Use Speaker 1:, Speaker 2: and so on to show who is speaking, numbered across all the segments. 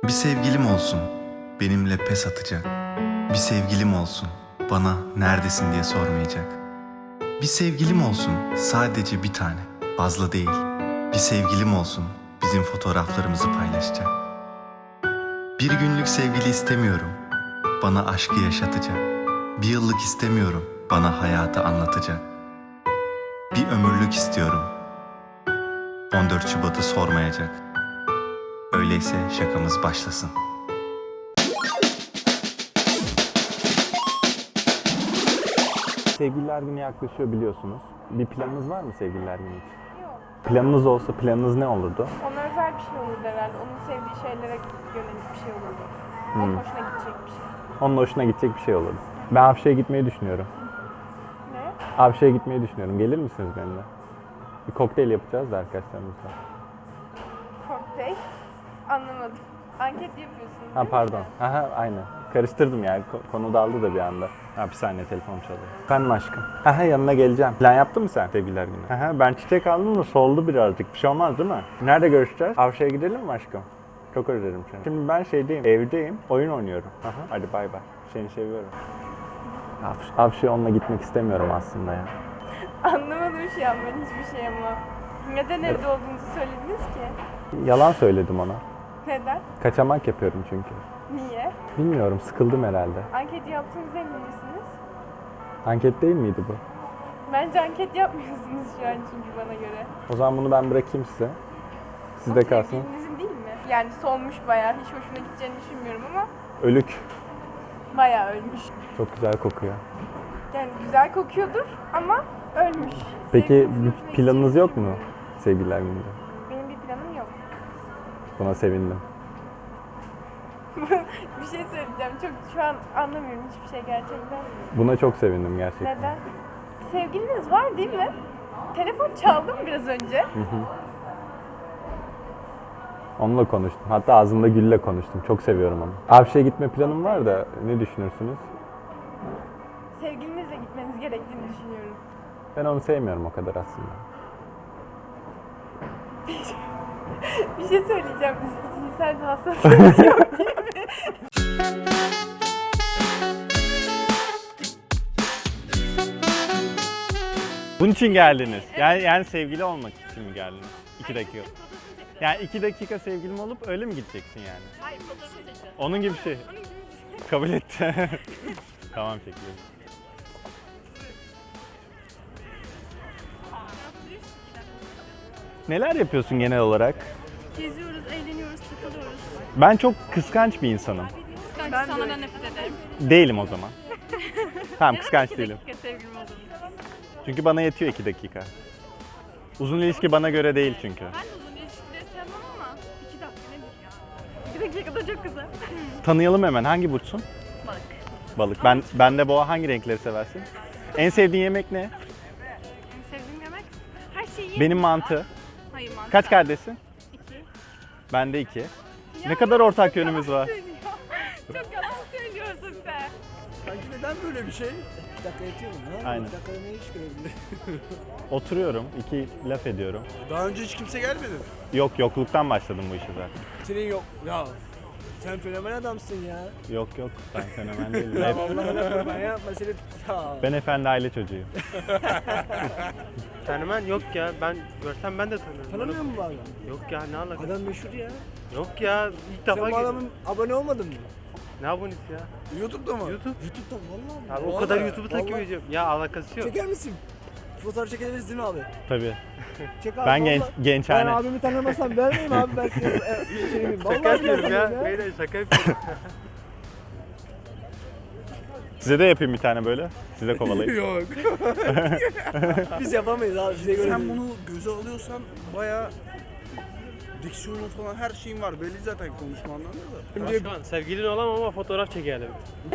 Speaker 1: Bir sevgilim olsun, benimle pes atacak. Bir sevgilim olsun, bana neredesin diye sormayacak. Bir sevgilim olsun, sadece bir tane, fazla değil. Bir sevgilim olsun, bizim fotoğraflarımızı paylaşacak. Bir günlük sevgili istemiyorum, bana aşkı yaşatacak. Bir yıllık istemiyorum, bana hayatı anlatacak. Bir ömürlük istiyorum, 14 Şubat'ı sormayacak. Öyleyse şakamız başlasın.
Speaker 2: Sevgililer Günü yaklaşıyor biliyorsunuz. Bir planınız var mı Sevgililer Günü için?
Speaker 3: Yok.
Speaker 2: Planınız olsa planınız ne olurdu?
Speaker 3: Ona özel bir şey olurdu herhalde. Onun sevdiği şeylere yönelik bir şey olurdu. Onun hoşuna gidecek bir şey.
Speaker 2: Onun hoşuna gidecek bir şey olurdu. Ben Afşe'ye gitmeyi düşünüyorum.
Speaker 3: Ne?
Speaker 2: Afşe'ye gitmeyi düşünüyorum. Gelir misiniz benimle? Bir kokteyl yapacağız da arkadaşlarımızla.
Speaker 3: Kokteyl. Anlamadım. Anket yapıyorsunuz.
Speaker 2: Ha
Speaker 3: değil mi?
Speaker 2: pardon. Aha aynen. Karıştırdım yani. Konu daldı da bir anda. Ha bir saniye telefon çalıyor. Efendim aşkım. Aha yanına geleceğim. Plan yaptın mı sen Sevgililer Günü? Aha ben çiçek aldım da soldu birazcık. Bir şey olmaz değil mi? Nerede görüşeceğiz? Avşa'ya gidelim mi aşkım? Çok özledim seni. Şimdi ben şeydeyim, evdeyim. Oyun oynuyorum. Aha. Hadi bay bay. Seni seviyorum. Avşa'ya onunla gitmek istemiyorum aslında ya.
Speaker 3: Anlamadım şu an ben hiçbir şey ama. Neden evde olduğunuzu söylediniz ki?
Speaker 2: Yalan söyledim ona.
Speaker 3: Neden?
Speaker 2: Kaçamak yapıyorum çünkü.
Speaker 3: Niye?
Speaker 2: Bilmiyorum, sıkıldım herhalde.
Speaker 3: Anket yaptığınızda emin misiniz?
Speaker 2: Anket değil miydi bu?
Speaker 3: Bence anket yapmıyorsunuz şu an çünkü bana göre.
Speaker 2: O zaman bunu ben bırakayım size. Sizde kalsın.
Speaker 3: Sevgilinizin değil mi? Yani solmuş bayağı. Hiç hoşuna gideceğini düşünmüyorum ama
Speaker 2: Ölük.
Speaker 3: bayağı ölmüş.
Speaker 2: Çok güzel kokuyor.
Speaker 3: Yani güzel kokuyordur ama ölmüş.
Speaker 2: Peki
Speaker 3: Sevgilinizin
Speaker 2: bir
Speaker 3: hoşuna
Speaker 2: planınız
Speaker 3: gideceğini
Speaker 2: yok mu
Speaker 3: düşünmüyorum.
Speaker 2: Sevgililer Günü'nde?
Speaker 3: Benim bir planım yok.
Speaker 2: Buna sevindim.
Speaker 3: Bir şey söyleyeceğim. Çok şu an anlamıyorum hiçbir şey gerçekten.
Speaker 2: Buna çok sevindim gerçekten.
Speaker 3: Neden? Sevgiliniz var değil mi? Telefon çaldı mı biraz önce?
Speaker 2: Onunla konuştum. Hatta ağzımda gülle konuştum. Çok seviyorum onu. Avşe'ye gitme planım var da ne düşünürsünüz?
Speaker 3: Sevgilinizle gitmeniz gerektiğini düşünüyorum.
Speaker 2: Ben onu sevmiyorum o kadar aslında.
Speaker 3: Bir şey söyleyeceğim. Cinsel bir hassasiyet yok değil mi?
Speaker 2: Bunun için geldiniz. Yani sevgili olmak için mi geldiniz? 2 dakika. Yani 2 dakika sevgilim olup öyle mi gideceksin yani?
Speaker 3: Hayır, fotoğraf çekeceğim.
Speaker 2: Onun gibi bir şey. Kabul etti. Tamam çekiyorum. Neler yapıyorsun genel olarak?
Speaker 4: Geziyoruz, eğleniyoruz, takılıyoruz.
Speaker 2: Ben çok kıskanç bir insanım.
Speaker 4: Kıskanç sana da nefret ederim.
Speaker 2: Değilim o zaman. Tamam kıskanç değilim.
Speaker 4: dakika sevgilim oldum.
Speaker 2: Çünkü bana yetiyor 2 dakika. Uzun ilişki bana göre değil çünkü.
Speaker 4: Ben de uzun ilişkileri sevmem ama 2 dakika nedir ya? 2 dakika da çok kısa.
Speaker 2: Tanıyalım hemen. Hangi burçsun?
Speaker 4: Balık.
Speaker 2: Balık. Ben de boğa. Hangi renkleri seversin? En sevdiğin yemek ne?
Speaker 4: En sevdiğim yemek her şeyi.
Speaker 2: Benim mantı.
Speaker 4: Hayır mantı.
Speaker 2: Kaç kardeşsin?
Speaker 4: 2.
Speaker 2: Ben de 2. Ne kadar ortak yönümüz var.
Speaker 4: Çok yalan söylüyorsun sen.
Speaker 5: Sanki neden böyle bir şey? 2 dakika yetiyor mu? Ne
Speaker 2: Aynen.
Speaker 5: 2 dakikada ne iş görebilir?
Speaker 2: Oturuyorum. 2 laf ediyorum.
Speaker 5: Daha önce hiç kimse gelmedi mi?
Speaker 2: Yokluktan başladım bu işe zaten.
Speaker 5: Senin yok. Ya sen fenomen adamsın ya.
Speaker 2: Yok ben fenomen değilim.
Speaker 5: Ya vallahi ben yapma seni. Ya.
Speaker 2: Ben efendi aile çocuğuyum.
Speaker 6: Fenomen yok ya. Ben görsem ben de tanırım.
Speaker 5: Tanımıyor musun bu adamı?
Speaker 6: Yok ya, ne alaka?
Speaker 5: Adam meşhur ya.
Speaker 6: Yok ya, ilk defa
Speaker 5: Sen bu
Speaker 6: geliyorum.
Speaker 5: adamın abone olmadın mı?
Speaker 6: Ne abonesi ya?
Speaker 5: YouTube'da mı?
Speaker 6: YouTube.
Speaker 5: YouTube'da vallahi.
Speaker 6: Abi o kadar YouTube'u takip ediyorum. Ya alakası yok.
Speaker 5: Çeker misin? Fotoğraf çekebiliriz değil mi abi?
Speaker 2: Tabii.
Speaker 5: Çek abi.
Speaker 2: Ben
Speaker 5: vallahi. Ben
Speaker 2: gençhane.
Speaker 5: abimi tanımasam vermeyeyim abi ben seni. Şeyimi.
Speaker 6: Şaka yapıyorum ya. Beyler şaka yapıyorum.
Speaker 2: Size de yapayım bir tane böyle. Size kovalayayım.
Speaker 5: Yok. Biz yapamayız abi size göre.
Speaker 7: Sen
Speaker 5: değil.
Speaker 7: bunu göze alıyorsan bayağı diksiyonun falan her şeyin var. Belli zaten konuşmandan da.
Speaker 6: Ben şu an sevgilin olamam ama fotoğraf çekelim.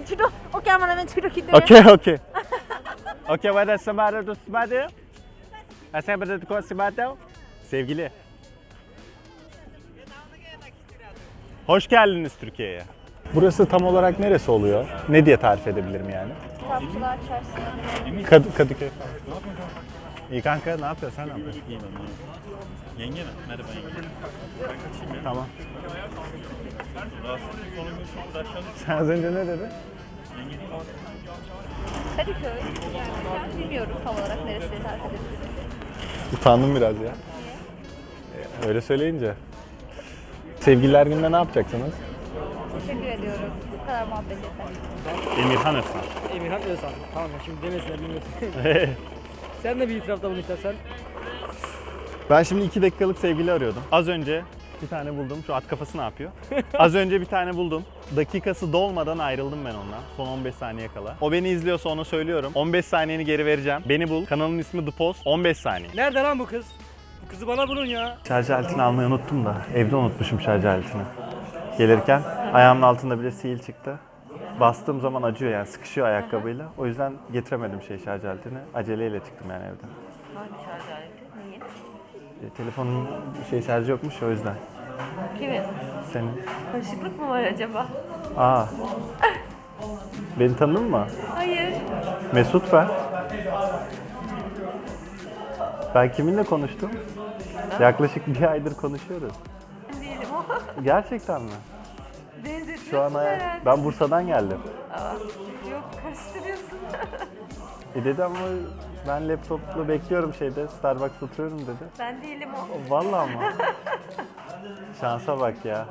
Speaker 2: Okay. Okay, what is somebody to somebody? I said but to somebody. Sevgili. Hoş geldiniz Türkiye'ye. Burası tam olarak neresi oluyor? Ne diye tarif edebilirim yani?
Speaker 3: Kitapçılar çarşısı.
Speaker 2: Kadıköy. İyi kanka, ne yapıyorsun? Sen ne yapıyorsun?
Speaker 8: İyi ben. Yenge mi? Merhaba yenge. Ben kaçayım ya.
Speaker 2: Tamam.
Speaker 8: Rahatsızlık konumuz uğraşalım.
Speaker 2: Sen az önce ne dedin?
Speaker 4: Kadıköy. Yani ben bilmiyorum tam olarak neresi tarif edebilirim.
Speaker 2: Utandım biraz ya. Öyle söyleyince. Sevgililer gününde ne yapacaksınız?
Speaker 4: Teşekkür ediyorum. Bu kadar muhabbet yeter.
Speaker 2: Emirhan Özkan.
Speaker 5: Emirhan Özal. Tamam şimdi demesinler bilmesin. Sen de bir itirafta bulun istersen.
Speaker 2: Ben şimdi 2 dakikalık sevgili arıyordum. Az önce bir tane buldum. Şu at kafası ne yapıyor? Az önce bir tane buldum. Dakikası dolmadan ayrıldım ben ondan. Son 15 saniye kala. O beni izliyorsa onu söylüyorum. 15 saniyeni geri vereceğim. Beni bul. Kanalın ismi The Post. 15 saniye.
Speaker 5: Nerede lan bu kız? Bu kızı bana bulun ya.
Speaker 2: Şarj aletini almayı unuttum da. Evde unutmuşum şarj aletini. Gelirken ayağımın altında bile sihir çıktı. Bastığım zaman acıyor yani sıkışıyor ayakkabıyla. O yüzden getiremedim şarj aletini. Aceleyle çıktım yani evden.
Speaker 4: Hangi şarj aleti? Niye?
Speaker 2: Telefonun şarjı yokmuş o yüzden.
Speaker 4: Kimin?
Speaker 2: Senin.
Speaker 4: Karışıklık mı var acaba?
Speaker 2: Aa. Beni tanıdın mı?
Speaker 4: Hayır.
Speaker 2: Mesut ben. Ben kiminle konuştum? Yaklaşık bir aydır konuşuyoruz.
Speaker 4: Değilim o.
Speaker 2: Gerçekten mi?
Speaker 4: Benzetiyorsun
Speaker 2: Şu an
Speaker 4: herhalde.
Speaker 2: ben Bursa'dan geldim.
Speaker 4: Yok karıştırıyorsun.
Speaker 2: Dedi ama ben laptopla bekliyorum Starbucks'ta oturuyorum dedi.
Speaker 4: Ben değilim o.
Speaker 2: Vallahi ama. Şansa bak ya.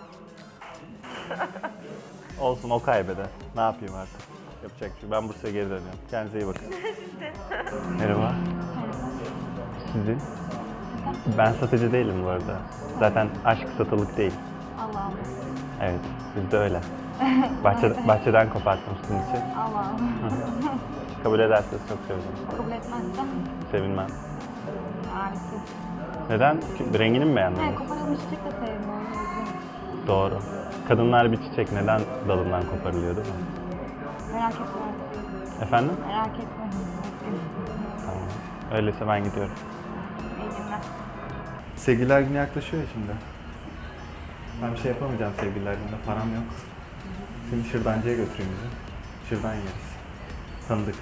Speaker 2: Olsun o kaybeder. Ne yapayım artık? Yapacak bir şey. Ben Bursa'ya geri dönüyorum. Kendinize iyi bakın. Merhaba. Sizin? Ben satıcı değilim bu arada. Zaten aşk satılık değil.
Speaker 4: Allah'ım.
Speaker 2: Evet, bizde öyle. Bahçeden koparttım sizin için.
Speaker 4: Allah'ım.
Speaker 2: Kabul ederseniz çok sevinirim.
Speaker 4: Kabul etmezsem
Speaker 2: Sevinmem.
Speaker 4: harika.
Speaker 2: Neden? Rengini mi beğenmedin?
Speaker 4: He koparılmış çiçek de sevmiyorum.
Speaker 2: Doğru. Kadınlar bir çiçek neden dalından koparılıyor değil mi?
Speaker 4: Merak etme.
Speaker 2: Efendim?
Speaker 4: Merak etme.
Speaker 2: Tamam. Öyleyse ben gidiyorum.
Speaker 4: İyi günler.
Speaker 2: Sevgililer günü yaklaşıyor ya şimdi. Ben bir şey yapamayacağım sevgililer gününde. Param yok. Seni şırdancıya götüreyim bizi. Şırdan yeriz. Tanıdık.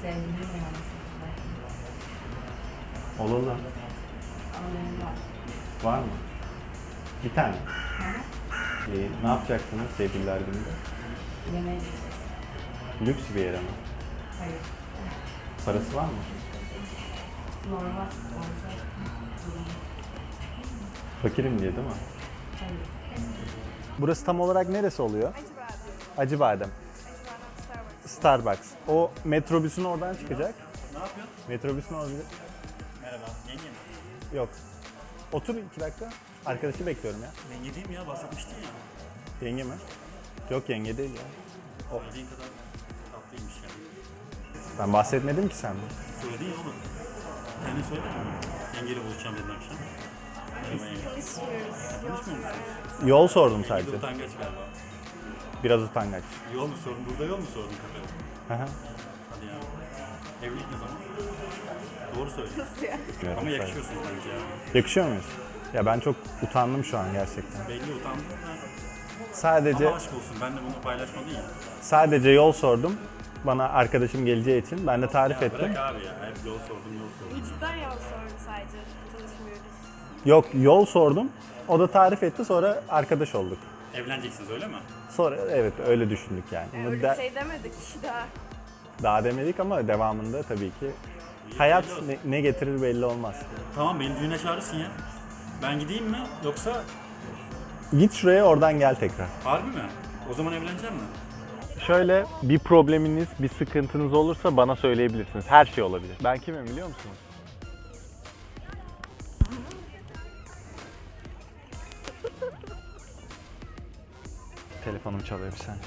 Speaker 2: Olalı. Var mı? Bir tane. Ne yapacaksınız sevgililer gününde?
Speaker 9: Yemek.
Speaker 2: Lüks bir yere mi?
Speaker 9: Hayır.
Speaker 2: Parası var mı?
Speaker 9: Normal.
Speaker 2: Fakirim diye değil mi?
Speaker 9: Hayır.
Speaker 2: Burası tam olarak neresi oluyor? Acıbadem. Starbucks. O metrobüsün oradan çıkacak.
Speaker 8: Ne yapıyorsun?
Speaker 2: Metrobüsün oradan...
Speaker 8: Merhaba. Yenge mi?
Speaker 2: Yok. Otur 2 dakika. Arkadaşı bekliyorum ya.
Speaker 8: Yenge değil mi ya? Bahsetmiştin ya.
Speaker 2: Yenge mi? Yok yenge değil ya.
Speaker 8: Söylediğin kadar tatlıymış yani.
Speaker 2: Ben bahsetmedim ki senden.
Speaker 8: Söyledin ya oğlum. Kendin söyledin mi? Yengeyle buluşacağım dedin akşam. Merhaba yenge. Konuşmuyor musunuz?
Speaker 2: Yol sordum
Speaker 8: Yenge
Speaker 2: sadece.
Speaker 8: de utangaç galiba.
Speaker 2: Biraz utangaç.
Speaker 8: Yol mu sordun? Burada yol mu sordun kafede?
Speaker 2: Hı hı.
Speaker 8: Hadi ya. Evlilik ne zaman? Doğru söylüyorsun.
Speaker 2: Bilmiyorum
Speaker 8: Ama
Speaker 2: sadece.
Speaker 8: yakışıyorsunuz bence ya.
Speaker 2: Yakışıyor muyuz? Ya ben çok utandım şu an gerçekten.
Speaker 8: Belli utandım da.
Speaker 2: Sadece
Speaker 8: Ama aşk olsun. Ben de bunu paylaşmadın ya.
Speaker 2: sadece yol sordum. Bana arkadaşım geleceği için ben de tarif ettim.
Speaker 8: Bırak abi ya. Hep yol sordum, yol sordum.
Speaker 3: Cidden yol sordu sadece. Tanışmıyoruz.
Speaker 2: Yok yol sordum. O da tarif etti sonra arkadaş olduk.
Speaker 8: Evleneceksiniz öyle mi?
Speaker 2: Sonra evet öyle düşündük yani. Ama
Speaker 3: Öyle bir şey demedik daha.
Speaker 2: daha demedik ama devamında tabii ki hayat ne getirir belli olmaz.
Speaker 8: Tamam beni düğüne çağırırsın ya. Ben gideyim mi yoksa
Speaker 2: Git şuraya oradan gel tekrar.
Speaker 8: harbi mi? O zaman evleneceğim mi?
Speaker 2: Şöyle bir probleminiz, bir sıkıntınız olursa bana söyleyebilirsiniz. Her şey olabilir. Ben kimim biliyor musunuz? Telefonum çalıyor bir saniye.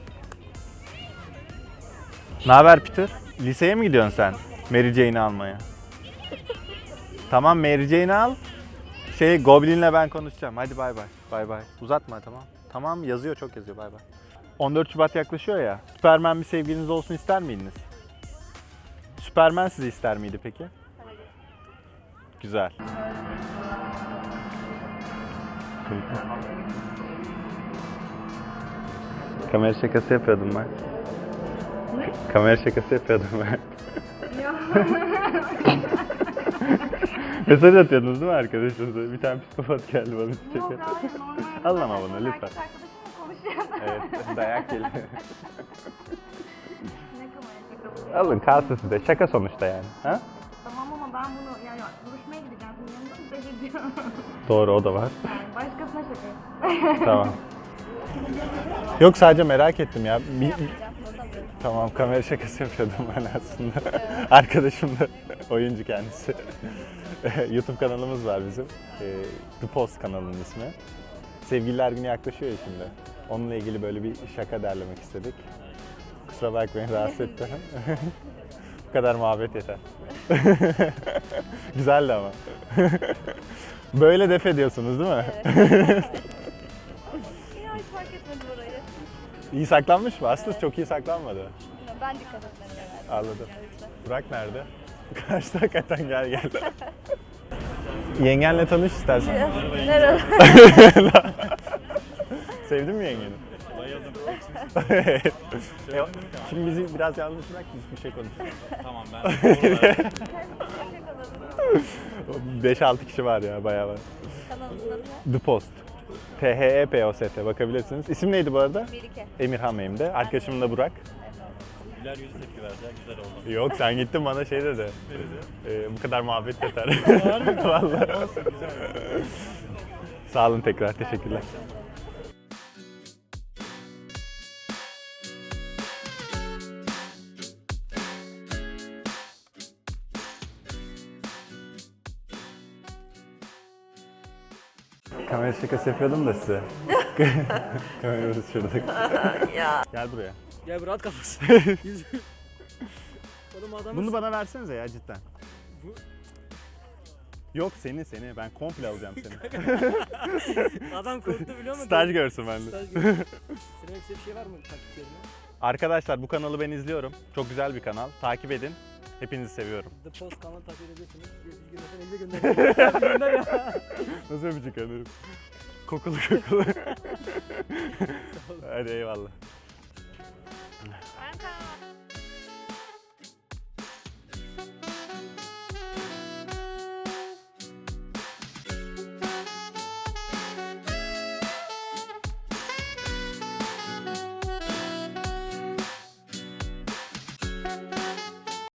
Speaker 2: Ne haber Peter? Liseye mi gidiyorsun sen? Mary Jane'i almaya. Tamam Mary Jane'i al. Goblin'le ben konuşacağım. Hadi bay bay. Bay bay. Uzatma tamam. Tamam yazıyor çok yazıyor bay bay. 14 Şubat yaklaşıyor ya. Süpermen bir sevgiliniz olsun ister miydiniz? Süpermen sizi ister miydi peki? Güzel. Kamera şakası yapıyordum ben. Kamera şakası yapıyordum ben. Mesaj atıyordunuz değil mi arkadaşınıza? Bir tane psikopat geldi bana çiçek.
Speaker 4: Yok hayır normal.
Speaker 2: Alın ama bunu lütfen.
Speaker 4: Erkek arkadaşımla konuşuyordu.
Speaker 2: Evet, dayak geliyor.
Speaker 4: Ne kadar erkek
Speaker 2: Alın kalsın size. Şaka sonuçta yani. Ha?
Speaker 4: Tamam ama ben bunu yani buluşmaya gideceğim. Senin yanında mı bekleyeceğim?
Speaker 2: Doğru, o da var.
Speaker 4: Yani başkasına şaka.
Speaker 2: Tamam. Yok, sadece merak ettim ya. Tamam, kamera şakası yapıyordum ben aslında. Arkadaşım da oyuncu kendisi. YouTube kanalımız var bizim. The Post kanalının ismi. Sevgililer günü yaklaşıyor ya şimdi. Onunla ilgili böyle bir şaka derlemek istedik. Kusura bakmayın, rahatsız ettim. Bu kadar muhabbet yeter. Güzeldi ama. Böyle def ediyorsunuz değil mi?
Speaker 3: Ya hiç fark etmedim orayı.
Speaker 2: İyi saklanmış mı? Aslında çok iyi saklanmadı.
Speaker 3: Ben dikkat etmedim herhalde.
Speaker 2: Anladım. Burak nerede? Karşıda hakikaten gel. Yengenle tanış istersen.
Speaker 3: Nerede?
Speaker 2: Sevdin mi yengeni?
Speaker 8: Bayıldım.
Speaker 2: Şimdi bizi biraz yalnız bırak, biz bir şey konuşalım.
Speaker 8: Tamam ben.
Speaker 2: 5-6 kişi var ya, bayağı var.
Speaker 3: Kanalımızın adı ne?
Speaker 2: The Post. THEPOST bakabilirsiniz. İsim neydi bu arada?
Speaker 3: Melike.
Speaker 2: Emirhan benim de. Arkadaşım da Burak.
Speaker 8: Güler yüzü tepki verecek. Güzel oldu.
Speaker 2: Yok, sen gittin bana şey dedi. Bu kadar muhabbet yeter. Vallahi. Sağ olun tekrar, teşekkürler. Kamera şakası yapıyordum da size. Kameramız şurada. Gel buraya.
Speaker 5: Gel bu rahat kafası. Oğlum adamın...
Speaker 2: Bunu bana versenize ya cidden.
Speaker 5: Bu-
Speaker 2: Yok, seni. Ben komple alacağım seni.
Speaker 5: Adam korktu biliyor musun?
Speaker 2: Staj görsün bende.
Speaker 5: Staj görsün. Senin hepsi bir şey var mı taktiklerine?
Speaker 2: Arkadaşlar, bu kanalı ben izliyorum. Çok güzel bir kanal. Takip edin. Hepinizi seviyorum.
Speaker 5: The Post kanalı takip edebilirsiniz. Bilgilesen 50 gönder. Gönder ya.
Speaker 2: Nasıl öpücük alırım? Kokulu. Hadi eyvallah.
Speaker 4: Ben